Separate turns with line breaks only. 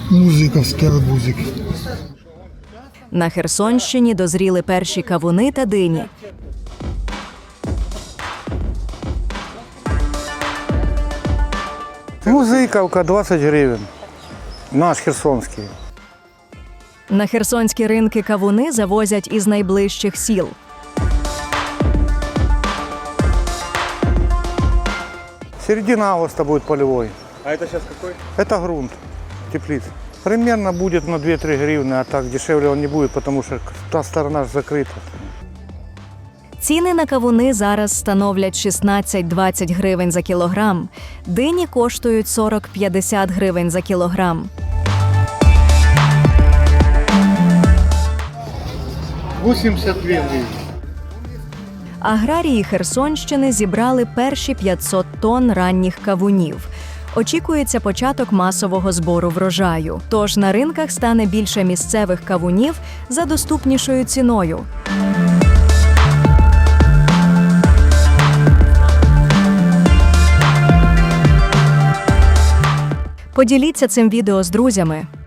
Музиковський арбузик.
На Херсонщині дозріли перші кавуни та дині.
Музиковка 20 гривень. Наш херсонський.
На херсонські ринки кавуни завозять із найближчих сіл.
Середина августа будет полевой.
А это сейчас какой?
Это грунт, теплица. Примерно будет на 2-3 гривны, а так дешевле он не будет, потому что та сторона же закрыта.
Ціни на кавуни зараз становлять 16-20 гривень за кілограм. Дині коштують 40-50 гривень за кілограм.
82 гривні.
Аграрії Херсонщини зібрали перші 500 тонн ранніх кавунів. Очікується початок масового збору врожаю. Тож на ринках стане більше місцевих кавунів за доступнішою ціною. Поділіться цим відео з друзями.